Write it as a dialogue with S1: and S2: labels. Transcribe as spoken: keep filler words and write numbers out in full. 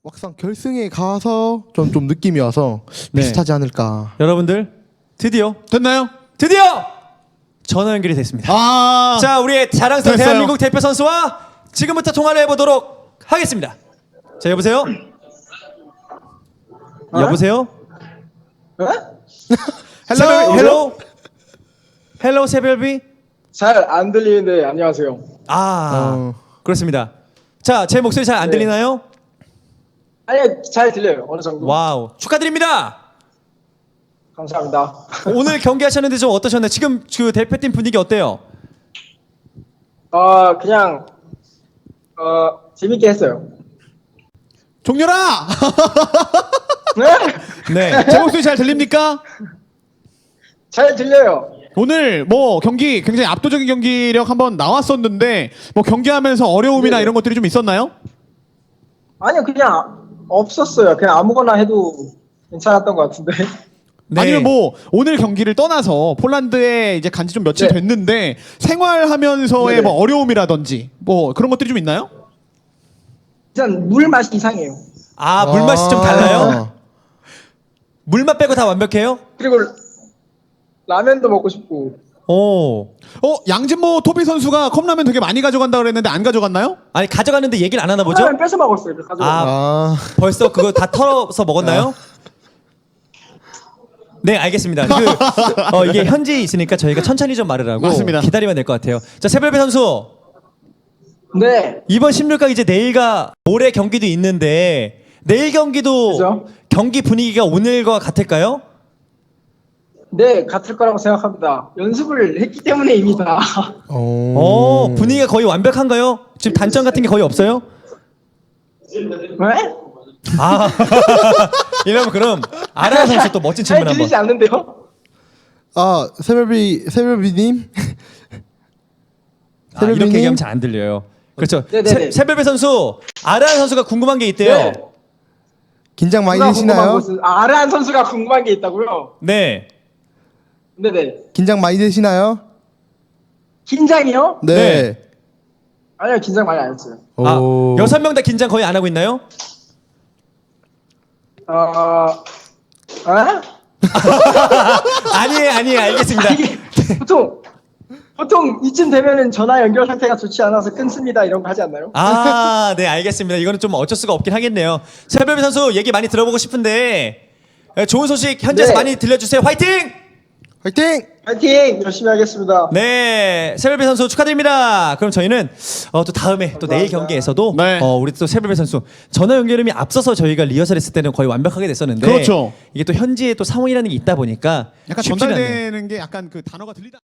S1: 막상 결승에 가서 좀, 좀 느낌이 와서
S2: 네.
S1: 비슷하지 않을까.
S2: 여러분들 드디어
S3: 됐나요?
S2: 드디어 전화 연결이 됐습니다.
S3: 아,
S2: 자, 우리의 자랑스러운
S3: 됐어요.
S2: 대한민국 대표 선수와 지금부터 통화를 해보도록 하겠습니다. 자, 여보세요?
S4: 어?
S2: 여보세요?
S4: 어?
S2: 헬로 헬로 헬로 세별비.
S4: 잘 안 들리는데 안녕하세요.
S2: 아,
S1: 어.
S2: 그렇습니다. 자, 제 목소리 잘 안
S4: 네.
S2: 들리나요?
S4: 아니 잘 들려요. 어느 정도.
S2: 와우, 축하드립니다.
S4: 감사합니다.
S2: 오늘 경기하셨는데 좀 어떠셨나요? 지금 그 대표팀 분위기 어때요?
S4: 어 그냥 어 재밌게 했어요.
S3: 종렬아!
S4: 네?
S2: 네.
S3: 제 목소리 잘 들립니까?
S4: 잘 들려요.
S3: 오늘 뭐 경기 굉장히 압도적인 경기력 한번 나왔었는데 뭐 경기하면서 어려움이나
S4: 네.
S3: 이런 것들이 좀 있었나요?
S4: 아니요 그냥 없었어요. 그냥 아무거나 해도 괜찮았던 것 같은데.
S2: 네.
S3: 아니면 뭐 오늘 경기를 떠나서 폴란드에 이제 간지 좀 며칠
S4: 네.
S3: 됐는데 생활하면서의
S4: 네네.
S3: 뭐 어려움이라든지 뭐 그런 것들이 좀 있나요?
S4: 일단 물 맛이 이상해요.
S2: 아, 물맛이 좀
S1: 아.
S2: 달라요? 물맛 빼고 다 완벽해요?
S4: 그리고 라면도 먹고 싶고.
S2: 오.
S3: 어 양진모 토비 선수가 컵라면 되게 많이 가져간다 그랬는데 안 가져갔나요?
S2: 아니, 가져갔는데 얘기를 안 하나 보죠?
S4: 라면 뺏어 먹었어요. 그 가지고.
S2: 아,
S1: 아,
S2: 벌써 그거 다 털어서 먹었나요? 네, 알겠습니다. 그, 어, 이게 현지에 있으니까 저희가 천천히 좀 말을 하고
S3: 맞습니다.
S2: 기다리면 될 것 같아요. 자, 세별배 선수.
S4: 네.
S2: 이번 십육 강 이제 내일과 모레 경기도 있는데 내일 경기도
S4: 그죠?
S2: 경기 분위기가 오늘과 같을까요?
S4: 네 같을 거라고 생각합니다. 연습을 했기 때문에 이미 다.
S1: 오.
S2: 어, 분위기가 거의 완벽한가요? 지금 단점 같은 게 거의 없어요?
S4: 네?
S2: 아, 이러면 그럼 아라 선수 또 멋진
S4: 잘
S2: 질문 한번.
S4: 들리지 않는데요?
S1: 아, 세별비, 세별비님?
S2: 아, 이렇게
S1: 세별비님?
S2: 얘기하면 잘 안 들려요. 그렇죠.
S4: 네네네.
S2: 세, 세별배 선수 아라 선수가 궁금한 게 있대요.
S4: 네.
S1: 긴장 많이
S4: 누가 궁금한
S1: 되시나요?
S4: 것은 아, 아란 선수가 궁금한 게 있다고요?
S2: 네.
S4: 네네.
S1: 긴장 많이 되시나요?
S4: 긴장이요?
S1: 네.
S2: 네.
S4: 아니요 긴장 많이 안 했어요.
S2: 아,
S1: 오.
S2: 여섯 명 다 긴장 거의 안 하고 있나요?
S4: 어... 아?
S2: 아니에요, 아니에요. 알겠습니다.
S4: 이게 보통 보통 이쯤 되면은 전화 연결 상태가 좋지 않아서 끊습니다 이런 거 하지 않나요?
S2: 아, 네, 알겠습니다. 이거는 좀 어쩔 수가 없긴 하겠네요. 세별배 선수 얘기 많이 들어보고 싶은데 에, 좋은 소식 현지에서
S4: 네.
S2: 많이 들려주세요. 화이팅!
S1: 화이팅!
S4: 파이팅 열심히 하겠습니다.
S2: 네, 세별배 선수 축하드립니다. 그럼 저희는 어, 또 다음에 또 내일
S4: 감사합니다.
S2: 경기에서도
S3: 네.
S2: 어, 우리 또 세별배 선수 전화 연결음이 앞서서 저희가 리허설했을 때는 거의 완벽하게 됐었는데
S3: 그렇죠.
S2: 이게 또 현지에 또 상황이라는 게 있다 보니까
S3: 약간
S2: 쉽지는 않네요.
S3: 전달되는 게 약간 그 단어가 들리다.